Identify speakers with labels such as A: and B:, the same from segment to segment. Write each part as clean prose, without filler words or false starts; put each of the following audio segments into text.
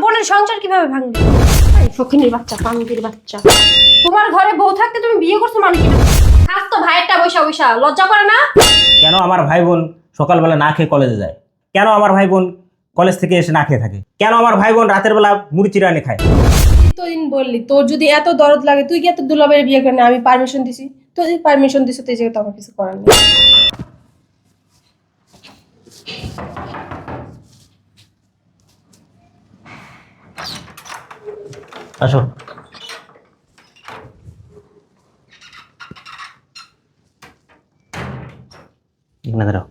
A: বোনের সংসার কিভাবে ভাঙবে? এই ফকিনীর বাচ্চা, পাঙ্গির বাচ্চা, তোমার ঘরে বউ থাকতে তুমি বিয়ে করছো মানে কি? খাস তো ভাইয়েরটা বৈশা বৈশা, লজ্জা করে না?
B: কেন আমার ভাই বোন সকালবেলা না খেয়ে কলেজে যায়? কেন আমার ভাই বোন কলেজ থেকে এসে না খেয়ে থাকে? কেন আমার ভাই বোন রাতের বেলা মুড়ি চিড়া এনে খায়?
C: তুই তো দিন বললি তোর যদি এত দরদ লাগে তুই কি এত দুলাভাইয়ের বিয়ে করে না? আমি পারমিশন দিছি, তুই যদি পারমিশন দিছিস তুই জায়গায় তো আমার কিছু করার নেই।
B: আসো। এখানে দাঁড়াও।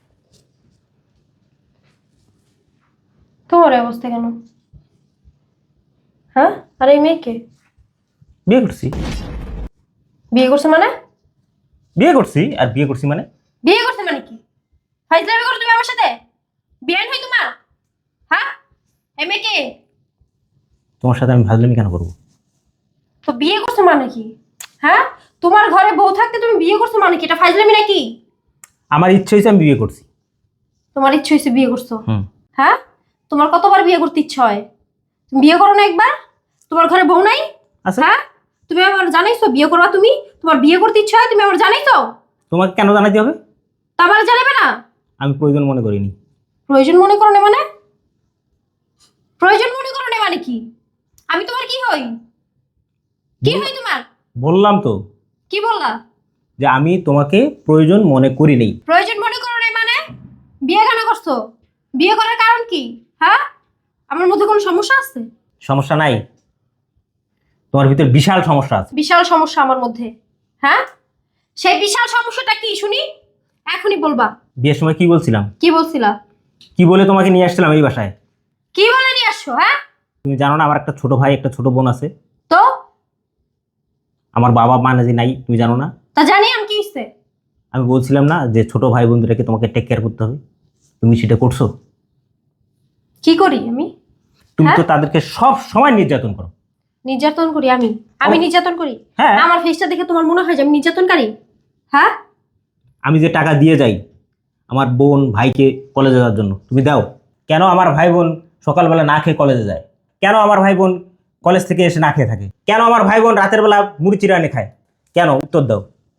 A: তোমার এই অবস্থা কেন? হ্যাঁ, আর এই মেয়েকে
B: বিয়ে করছি।
A: বিয়ে করছে মানে?
B: বিয়ে করছি আর বিয়ে করছি মানে?
A: বিয়ে করছে মানে কি? ফাইজলামি করো তুমি আমার সাথে? বিয়ে হই তোমার? হ্যাঁ, এই মেয়েকে
B: তোমার সাথে আমি ফাজলামি কেন করবো?
A: তো বিয়ে করছে মানে কি? হ্যাঁ, তোমার ঘরে বউ থাকতে তুমি বিয়ে করছো মানে কি? এটা ফাইজলামি নাকি?
B: আমার ইচ্ছে হয়েছে আমি বিয়ে করছি।
A: তোমার ইচ্ছে হয়েছে বিয়ে করছো?
B: হুম।
A: হ্যাঁ, তোমার কতবার বিয়ে করতে ইচ্ছে হয়? তুমি বিয়ে করো না একবার? তোমার ঘরে বউ নাই?
B: আচ্ছা,
A: হ্যাঁ, তুমি আমার জানাইছো বিয়ে করবা তুমি? তোমার বিয়ে করতে ইচ্ছে হয়, তুমি আমার জানাইছো?
B: তোমাকে কেন জানাতে হবে?
A: তা আমার জানাবে না?
B: আমি প্রয়োজন মনে করিনি।
A: প্রয়োজন মনে করো না মানে? প্রয়োজন মনে করো না মানে কি? আমি তোমার কি হই? কি হই তোমার?
B: বললাম তো
A: কি বললা?
B: যে আমি তোমাকে প্রয়োজন মনে করি নেই।
A: প্রয়োজন মনে করো না মানে? বিয়ে কেন করছো? বিয়ে করার কারণ কি? হ্যাঁ, আমার মধ্যে কোনো সমস্যা আছে?
B: সমস্যা নাই, তোমার ভিতর বিশাল সমস্যা আছে।
A: বিশাল সমস্যা আমার মধ্যে? হ্যাঁ, সেই বিশাল সমস্যাটা কি শুনি? এখনই বলবা।
B: বিয়ের সময় কি বলছিলাম?
A: কি বলছিলা?
B: কি বলে তোমাকে নিয়ে আসছিলাম এই বাসায়?
A: কি বলে নিয়ে আসছো? হ্যাঁ,
B: তুমি জানো না আমার একটা ছোট ভাই একটা ছোট বোন আছে?
A: তো
B: আমার বাবা মা নাজি নাই, তুমি জানো না?
A: তা জানি আমি কি হইছে?
B: আমি বলছিলাম না যে ছোট ভাই বোনদেরকে তোমাকে টেক কেয়ার করতে হবে? তুমি সেটা করছো?
A: কি করি আমি?
B: তুমি তো
A: হ্যাঁ?
B: তাদেরকে সব সময় নির্যাতন করো।
A: নির্যাতন করি আমি? আমি নির্যাতন করি?
B: হ্যাঁ।
A: আমার ফেসটা দেখে তোমার মনে হয় যে আমি নির্যাতনকারী? হ্যাঁ,
B: আমি যে টাকা দিয়ে যাই আমার বোন ভাইকে কলেজে যাওয়ার জন্য, তুমি দাও? কেন আমার ভাই বোন সকালবেলা না খেয়ে কলেজে যায়? কেন আমার ভাই বোন কলেজ থেকে এসে না খেয়ে থাকে? কেন আমার ভাই বোন রাতের বেলা মুড়ি চিড়া এনে খায়? কেন? উত্তর দাও।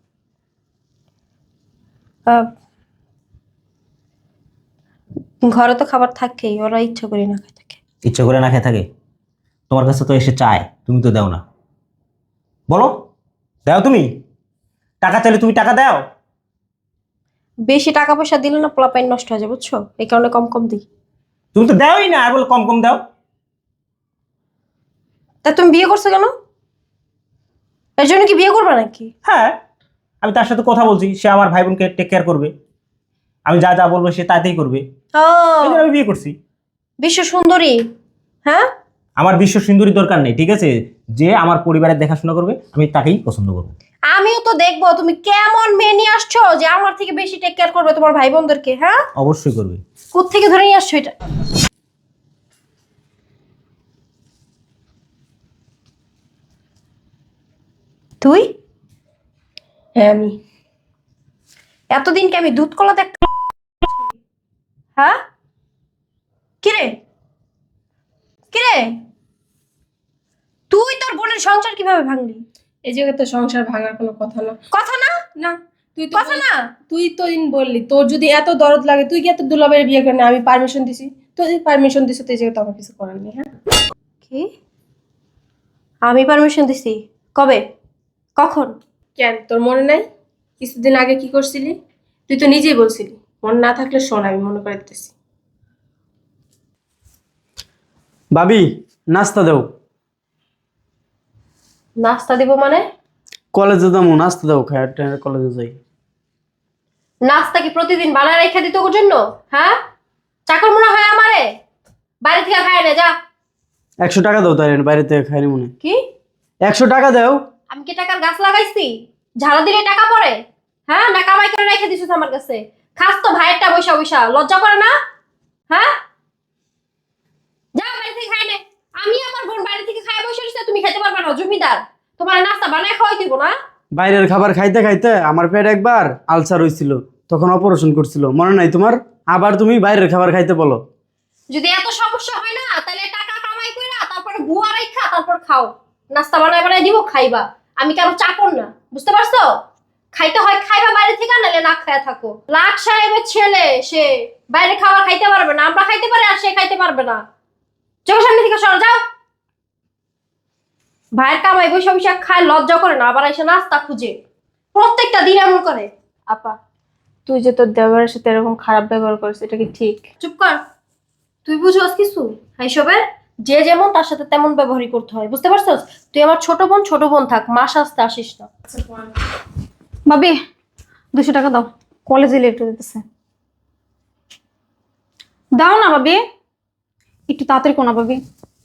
A: ঘরে তো খাবার থাকেই, ওরা ইচ্ছা করে না খায় থাকে।
B: ইচ্ছে করে না খেয়ে থাকে? তোমার কাছে তো এসে চায়, তুমি তো দাও না। বলো, দাও তুমি? টাকা চাইলে তুমি টাকা দাও?
A: বেশি টাকা পয়সা দিলে না পোলাপাইন নষ্ট হয়ে যায়, বুঝছো? এই কারণে কম কম দিই।
B: তুমি তো দাওই না, আর বলো কম কম দাও।
A: তা তুমি বিয়ে করছো কেন? এর জন্য কি বিয়ে করবে নাকি?
B: হ্যাঁ, আমি তার সাথে কথা বলছি, সে আমার ভাই বোনকে টেক কেয়ার করবে, আমি যা যা বলবো সে তাতেই করবে,
A: ও,
B: এই জন্য আমি বিয়ে করছি।
A: বিশ্ব সুন্দরী? হ্যাঁ,
B: আমার বিশ্ব সুন্দরী দরকার নেই, ঠিক আছে? যে আমার পরিবারের দেখাশোনা করবে আমি তাকেই পছন্দ করবো।
A: আমিও তো দেখবো তুমি কেমন মেয়ে নিয়ে আসছো যে আমার থেকে বেশি টেক কেয়ার করবে তোমার ভাই বোনদেরকে। হ্যাঁ,
B: অবশ্যই করবে।
A: কোত্থেকে ধরে নিয়ে আসছো এটা? তুই?
C: হ্যাঁ আমি।
A: এতদিন কি আমি দুধ কলা দেখতে? হ্যাঁ, কিরে কিরে, তুই তোর বোনের সংসার কিভাবে ভাঙলি?
C: এই জায়গায় তো সংসার ভাঙার কোনো কথা না।
A: কথা না?
C: না, তুই তো
A: কথা না?
C: তুই তো দিন বললি তোর যদি এত দরদ লাগে তুই কি এত দুলাভাইয়ের বিয়ে করে না? আমি পারমিশন দিছি, তুই যদি পারমিশন দিছিস তুই জায়গায় তো আমার কিছু করার নেই। হ্যাঁ,
A: কি? আমি পারমিশন দিছি? কবে? কখন?
C: কেন তোর মনে নাই কিছুদিন আগে কি করছিলি? তুই তো নিজেই বলছিলি। মনে না থাকলে শোন, আমি মনে করে দিতেছি।
D: ভাবি, নাস্তা দাও।
A: নাস্তা দিব মানে?
D: কলেজে যাবো, নাস্তা দাও, খায় কলেজে যাই।
A: নাস্তা কি প্রতিদিন বানায় রেখে দিত ওর জন্য? হ্যাঁ, চাকর মনে হয় আমারে? বাড়ি থেকে খায় না, যা।
D: 100 টাকা দাও, তাই বাইরে থেকে খাইনি মনে।
A: কি?
D: 100 টাকা দাও।
A: আমি কি টাকার গাছ লাগাইছি? ঝাড়া দিলে টাকা পড়ে? হ্যাঁ, না কামাই করে রেখে দিছিস আমার কাছে? খাস তো ভাইয়েরটা বৈশা বৈশা, লজ্জা করে না? হ্যাঁ, যা বাড়ি থেকে খায় নে। আমি আমার বোন বাড়ি থেকে খায় বসে রয়েছে, তুমি খাইতে পারবা না? জমিদার তোমার নাস্তা বানায় খাওয়াই দিব না?
D: বাইরের খাবার খাইতে খাইতে আমার পেট একবার আলসার হয়েছিল, তখন অপারেশন করছিল, মনে নাই তোমার? আবার তুমি বাইরের খাবার খাইতে বলো?
A: যদি এত সমস্যা হয় না তাহলে টাকা কামাই খাও, নাস্তা বানায় বানায় দিব, খাইবা। আমি কারো চাকর না, বুঝতে পারছো? খাইতে হয় খাইবা বাইরে থেকে, নাহলে না খায়া থাকো। লাখ সাহেবের ছেলে, সে বাইরে খাবার খাইতে পারবে না, আমরা খাইতে পারি আর সে খাইতে পারবে না। চোখের সামনে থেকে সর যাও। ভাইয়ের কামাই বৈশা বৈশা খায়, লজ্জা করে না, আবার এসে নাস্তা খুঁজে প্রত্যেকটা দিন এমন করে।
C: আপা, তুই যে তোর দেওয়ারের সাথে এরকম খারাপ ব্যবহার করিস, এটা কি ঠিক?
A: চুপ কর, তুই বুঝোস কিছু এইসবের? যে যেমন তার সাথে তেমন ব্যবহারই করতে হয়, বুঝতে পারছস? তুই আমার ছোট বোন থাক, মা সাজতে আসিস না।
E: ভাবি 200 টাকা দাও, কলেজে লেট হয়ে যেতেছে। দাও না ভাবি, একটু তাড়াতাড়ি কোনা ভাবি।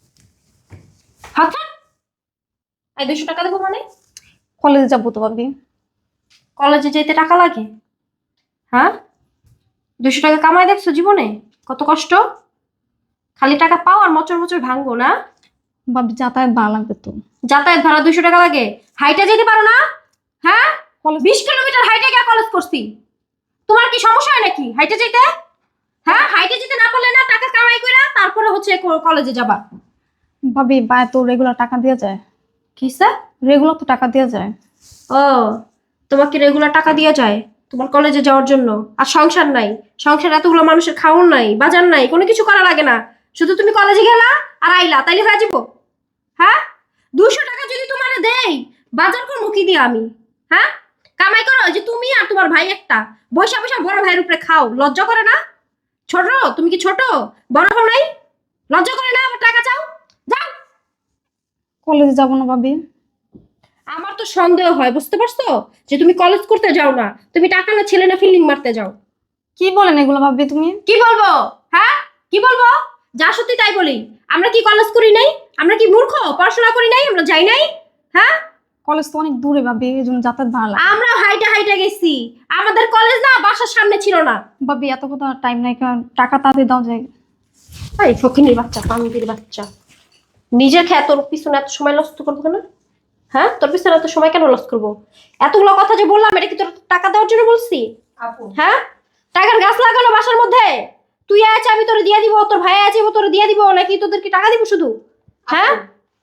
A: হাত ছাড়। এই 200 টাকা দেবো মানে?
E: কলেজে যাবো তো ভাবি।
A: কলেজে যেতে টাকা লাগে? হ্যাঁ, 200 টাকা কামাই দেখছো জীবনে কত কষ্ট? খালি টাকা পাও আর মচর মচর ভাঙবো না?
E: ভাবি যাতায়াত ভাড়া লাগবে তো।
A: যাতায়াত ভাড়া 200 টাকা লাগে? হাইটে যেতে পারো না? হ্যাঁ,
E: কলেজ
A: 20 কিলোমিটার হাইটে গিয়ে কলেজ করছি। তোমার কি সমস্যা হয় নাকি হাইটে যেতে? হ্যাঁ, হাইটে যেতে না পারলে না টাকা কামাই করে তারপরে হচ্ছে কলেজে যাবা।
E: ভাবি বায় তো রেগুলার টাকা দেওয়া যায়।
A: কি স্যার?
E: রেগুলার তো টাকা দেওয়া যায়।
A: ও, তোমাকে রেগুলার টাকা দেওয়া যায় তোমার কলেজে যাওয়ার জন্য? আর সংসার নাই? সংসার এতগুলো মানুষের খাওয়ার নাই, বাজার নাই, কোনো কিছু করা লাগে না, শুধু তুমি কলেজে গেলা আর আইলা, তাইলে হয়ে যাবো? হ্যাঁ, 200 টাকা যদি তোমার দেই, বাজার করবো কি দিয়ে আমি? হ্যাঁ, কামাই করো যে তুমি আর তোমার ভাই একটা, বৈশা বৈশা বড় ভাইয়ের উপরে খাও, লজ্জা করে না? ছোট, তুমি কি ছোট? বড় হও নাই? লজ্জা করে না? আবার টাকা চাও? যাও।
E: কলেজে যাবো না ভাবি।
A: আমার তো সন্দেহ হয়, বুঝতে পারছো, যে তুমি কলেজ করতে যাও না, তুমি টাকা না ছেলে না ফিল্ডিং মারতে যাও।
E: কি বলেন এগুলো ভাবি তুমি?
A: কি বলবো? হ্যাঁ, কি বলবো? যা সত্যি তাই বলি। আমরা কি কলেজ করি নাই? আমরা কি মূর্খ? পড়াশোনা করি নাই? আমরা যাই নাই? হ্যাঁ,
E: কলেজ তো অনেক দূরে ভাবি, এই জন্য যাতায়াত ভাড়া লাগে।
A: আমরা হাইটে হাইটে গেছি, আমাদের কলেজ না বাসার সামনে ছিল না।
E: ভাবি এত কথা টাইম নাই, কারণ টাকা তাড়াতাড়ি দাও যায়।
A: এই ফকিনীর বাচ্চা, পানির বাচ্চা, নিজের খেয়ে তোর পিছনে এত সময় লস করবো কেন? হ্যাঁ, তোর পিছনে এত সময় কেন লস করবো? এতগুলো কথা যে বললাম, এটা কি তোর টাকা দেওয়ার জন্য বলছি?
C: আপু,
A: হ্যাঁ, টাকার গাছ লাগানো বাসার মধ্যে, তুই আছে আমি তোরে দিয়ে দিব, তোর ভাই আছে তোরে দিয়ে দিব, নাকি তোদেরকে টাকা দিব শুধু? হ্যাঁ,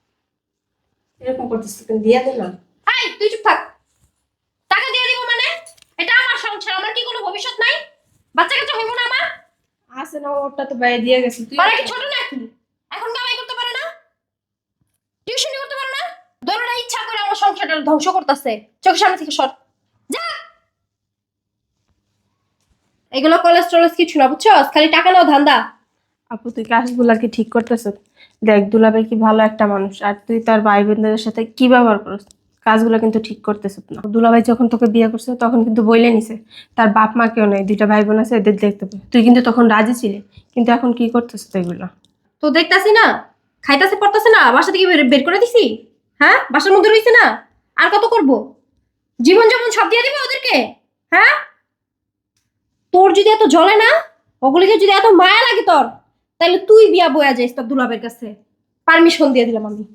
C: এরকম করতেছিস কেন? দিয়ে দে না।
A: এই তুই চুপ থাক। টাকা দিয়ে দিব মানে? এটা আমার সংসার, আমার কি কোনো ভবিষ্যৎ নাই? বাচ্চা কাচ্চা হইব না আমার?
C: আছে না, ওরটা তো বাইরে দিয়ে গেছে। তুই
A: ওরা কি ছোট নাকি? এখন কামাই করতে পারে না? টিউশনি করতে পারে না? দোনোটা ইচ্ছা করে আমার সংসারটা ধ্বংস করতেছে। চোখের সামনে থেকে সর যা। এগুলো কলেজ টলেজ কিছু না, বুঝছো? খালি টাকা নাও ধান্দা।
C: আপু, তুই কাজগুলা কি ঠিক করতেছ? দেখ, দুলাভাই কি ভালো একটা মানুষ, আর তুই তার ভাই বোনদের সাথে কি ব্যবহার করছ? কাজগুলো কিন্তু ঠিক করতেছ না। দুলাভাই যখন তোকে বিয়ে করছে তখন কিন্তু বইলে নিছে তার বাপ মা কেউ নেই, 2টা ভাই বোন আছে, এদের দেখতে পাবে। তুই কিন্তু তখন রাজি ছিলি, কিন্তু এখন কি করতেছ এগুলো?
A: তো দেখতাছি না, খাইতাছে পড়তাছে না, বাসা থেকে বের করে দিছি। হ্যাঁ, বাসার মধ্যে রইছে না, আর কত করব? জীবন যেমন সব দিয়ে দিবে ওদেরকে? হ্যাঁ, তোর যদি এত জ্বলে না, ওগুলিকে যদি এত মায়া লাগে তোর, তাহলে তুই বিয়া বয়া যাইস তোর দুলাবের কাছে। পারমিশন দিয়ে দিলাম আমি।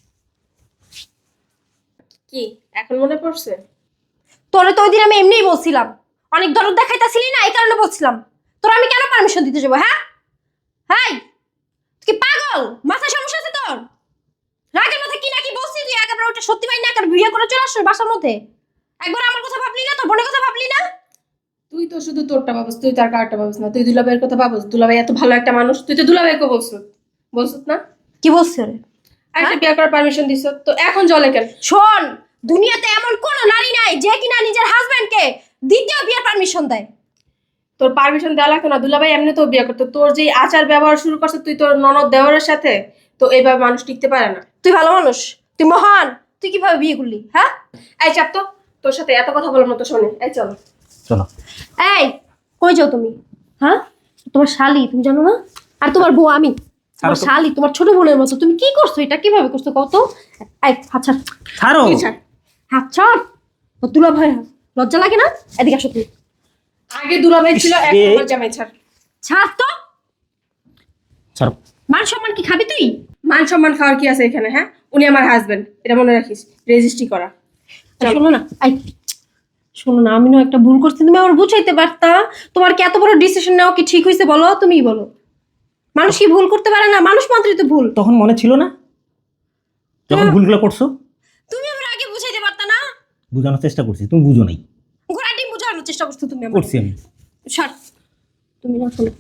C: কি এখন মনে পড়ছে?
A: তোরে তো ওই দিন আমি এমনিই বলছিলাম, অনেক দরদ দেখাইতাছিলি না, এই কারণে বলছিলাম। তোর আমি কেন পারমিশন দিতে যাবো? হ্যাঁ, হাই, তুই কি পাগল? মাথায় সমস্যা আছে তোর? রাগের মধ্যে কি নাকি বলছি তুই, একেবারে ওটা সত্যি পাই না, একবার বিয়ে করে চলে আসছিস বাসার মধ্যে। একবার আমার কথা ভাবলি না? তোর বোনের কথা ভাবলি না?
C: তুই তো শুধু তোরটা ভাবস, তুই তার কারটা ভাবস না। তুই দুলাভাইয়ের কথা ভাবস, দুলাভাই এত ভালো একটা মানুষ, তুই তো দুলাভাইকে বলছিস না?
A: কি বলছি রে?
C: একটা বিয়ে করার পারমিশন দিছ, তো এখন জলে কেন?
A: শোন, দুনিয়াতে এমন কোন নারী নাই যে কিনা নিজের হাজবেন্ডকে দ্বিতীয় বিয়ের পারমিশন দেয়।
C: তোর পারমিশন দেওয়া লাগতো না, দুলাভাই এমনি তো বিয়ে করতো। তোর যে আচার ব্যবহার শুরু করছে তুই তোর ননদ দেওয়ারের সাথে, তো এইভাবে মানুষ টিকতে পারে না।
A: তুই ভালো মানুষ, তুই মহান, তুই কিভাবে বিয়ে করলি? হ্যাঁ,
C: এই চাপ তো, তোর সাথে এত কথা বলার মতো শোনে। এই চলো।
B: চলো।
A: এই কই যাও তুমি? হ্যাঁ, তোমার শালি তুমি জানো না? আর তোমার বউ আমি, তোমার শালি, তোমার ছোট বোনের মতো। তুমি কি করছো? এটা কিভাবে করছো কত? এই হাত ছাড়,
B: ছাড়ো।
C: তুই ছাড়।
A: হাত ছাড়। ও দুলা ভাই, লজ্জা লাগে না? এদিকে আসো তুমি।
C: আগে দুলাভাই ছিল, এখন আমার জামাই। ছাড়।
A: ছাড় তো।
B: ছাড়ো।
A: মান সম্মান কি খাবি তুই?
C: মান সম্মান খাওয়ার কি আছে এখানে? হ্যাঁ, উনি আমার হাজবেন্ড, এটা মনে রাখিস, রেজিস্ট্রি করা।
A: শোনো না, শোনো না, আমি না একটা ভুল করছি, তুমি আমার বুঝাইতে পারতা? তোমার কি এত বড় ডিসিশন নেওয়া কি ঠিক হয়েছে বলো? তুমিই বলো। মানুষ কি ভুল করতে পারে না? মানুষ মাত্রই তো ভুল।
B: তখন মনে ছিল না? যখন ভুলগুলো করছো
A: তুমি আমার আগে বুঝাইতে পারতা না?
B: বোঝানোর চেষ্টা করছি, তুমি বুঝো নাই।
A: ঘোড়া ডিম বুঝানোর চেষ্টা করছো তুমি আমার।
B: করছি আমি।
A: সর। তুমি না শোনো,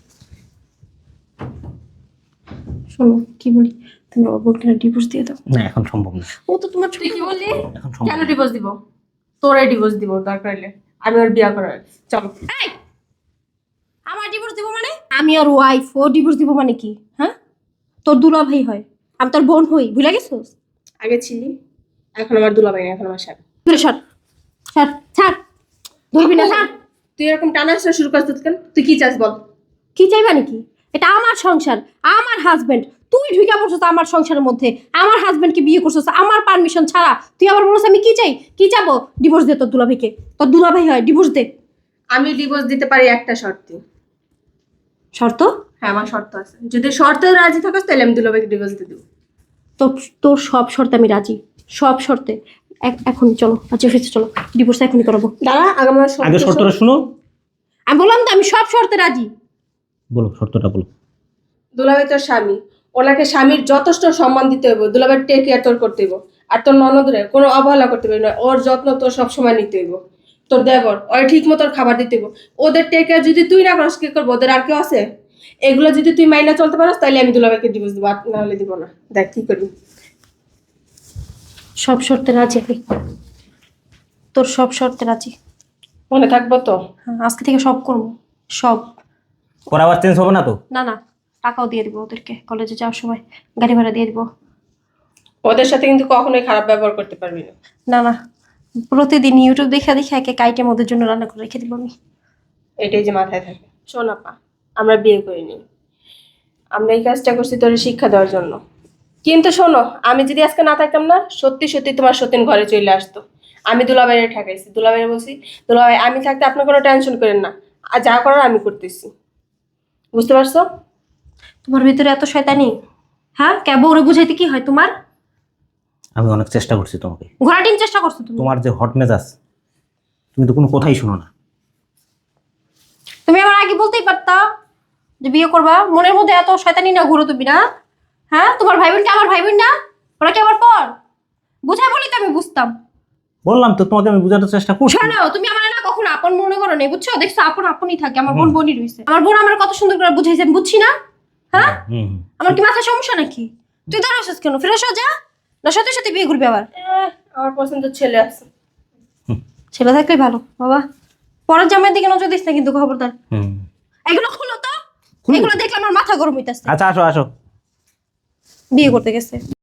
C: শোনো কি বলি, তুমি ওর বউকে ডিভোর্স দিয়ে দাও।
B: না, এখন সম্ভব না,
A: ও তো তোমার
C: তুই কি বললি?
B: এখন সম্ভব
C: কেন
B: না।
C: ডিভোর্স দিব? তোরে ডিভোর্স দিব দরকার হলে, আমি ওর বিয়া করার। চলো।
A: এই, আমার ডিভোর্স দিব মানে? আমি ওর ওয়াইফ, ও ডিভোর্স দিব মানে কি? হ্যাঁ, তোর দুলা ভাই হয়, আমি তোর বোন হই, ভুলে গেছিস?
C: আগে ছিলি, এখন আমার দুলাভাই না, এখন আমার স্বামী।
A: দূরে সর, সর, ছাড়, ধরবি না, ছাড়।
C: তুই এরকম টানা আসা শুরু করছিস কেন? তুই কি চাস বল?
A: কি চাইবা নাকি? এটা আমার সংসার, আমার হাজবেন্ড। তুই ঢুকে পড়ছিস আমার সংসারের মধ্যে, আমার হাজবেন্ডকে বিয়ে করছিস আমার পারমিশন ছাড়া। তুই আবার বলছিস আমি কি চাই, কি চাবো? ডিভোর্স দে তোর দুলাভাইকে, তোর দুলাভাই হয়, ডিভোর্স দে।
C: আমি ডিভোর্স দিতে পারি একটা শর্তে।
A: শর্ত?
C: হ্যাঁ, আমার শর্ত আছে। যদি শর্তে রাজি থাকিস তাহলে আমি দুলাভাইকে ডিভোর্স দিয়ে দেবো।
A: তোর তোর সব শর্তে আমি রাজি, সব শর্তে। এখনই চলো, আচ্ছা অফিসে চলো, ডিভোর্স এখনই করাবো।
C: দাঁড়া, আগে আমার
B: আগে শর্তটা শুনো।
A: আমি বললাম তো আমি সব শর্তে রাজি।
B: বলো, শর্তটা বলো।
C: দুলাভাই তোর স্বামী, ওনাকে স্বামীর যথেষ্ট সম্মান দিতে হইব, দুলাভাই টেক কেয়ার তোর করতে হইব। আর তোর ননদরে কোনো অবহেলা করতে পারবি না, ওর যত্ন তোর সবসময় নিতে হইব। তোর দেবর ওর ঠিক মতো খাবার দিতে হইব, ওদের টেক কেয়ার যদি তুই না করিস কি করবো? ওদের আর কেউ আছে? এগুলো যদি তুই মাইনা চলতে পারস তাহলে আমি দুলাভাইকে ডিভোর্স দিব, আর নাহলে দিব না। দেখ কি করবি।
A: সব শর্তে রাজি আমি, তোর সব শর্তে রাজি।
C: মনে থাকবো তো?
A: হ্যাঁ, আজকে থেকে সব করবো, সব।
B: পরে আবার চেঞ্জ হবে না তো?
A: না না, টাকাও দিয়ে দিব ওদেরকে, কলেজে যাওয়ার সময় গাড়ি ভাড়া দিয়ে দিব।
C: ওদের সাথে কিন্তু কখনোই খারাপ ব্যবহার করতে পারবি না।
A: না না, প্রতিদিন ইউটিউব দেখে দেখে একে কাইটেম ওদের জন্য রান্না করে রেখে দিব আমি।
C: এটাই যে মাথায় থাকে। শোন আপা, আমরা বিয়ে করিনি, আমরা এই কাজটা করছি তোর শিক্ষা দেওয়ার জন্য। কিন্তু শোনো, আমি যদি আজকে না থাকতাম না, সত্যি সত্যি তোমার সতীন ঘরে চলে আসতো। আমি দুলাভাইয়ের ঠেকাইছি, দুলাভাইয়ের বলছি দুলাভাই আমি থাকতে আপনি কোনো টেনশন করেন না, আর যা করার আমি করতেছি। বুঝতে পারছো?
A: তোমার ভিতরে এত শয়তানি? হ্যাঁ, কে বউরে বুঝাইতে কি হয় তোমার?
B: আমি অনেক চেষ্টা করছি তোমাকে।
A: ঘোড়া ডিম চেষ্টা করছো তুমি।
B: তোমার যে হট মেজাজ, তুমি তো কোনো কথাই শোনো না।
A: তুমি আমার আগে বলতেই পারতা যে বিয়ে করবা। মনের মধ্যে এত শয়তানি না ঘুরো তুমি না? হ্যাঁ, তোমার ভাই বোনকে আমার ভাই বোন না, ওরা কি আমার পর? বুঝাই বলি তো আমি বুঝতাম।
B: বললাম তো তোমাকে আমি বোঝানোর চেষ্টা করছি।
A: শোনো, তুমি আমার না কখনো আপন মনে করো না, বুঝছো? দেখছো আপন আপনই থাকে, আমার বোন বোনই রইছে। আমার বোন আমার কত সুন্দর করে বুঝাইছে, আমি বুঝছি না? হ্যাঁ,
B: হুম।
A: আমার কি মাথা সমস্যা নাকি? তুই দাঁড়াছিস কেন? ফিরে আসো, যা না, সত্যি সত্যি বিয়ে করবি আবার?
C: আমার পছন্দের ছেলে আছে।
A: ছেলে থাকলেই ভালো বাবা। পরের জামাইয়ের দিকে নজর দিস না কিন্তু, খবরদার।
B: হুম।
A: এগুলো খুলো তো,
B: খুলবো।
A: এগুলো দেখলে আমার মাথা গরম হইতাছে।
B: আচ্ছা, আসো আসো।
A: বিয়ে করতে গেছে।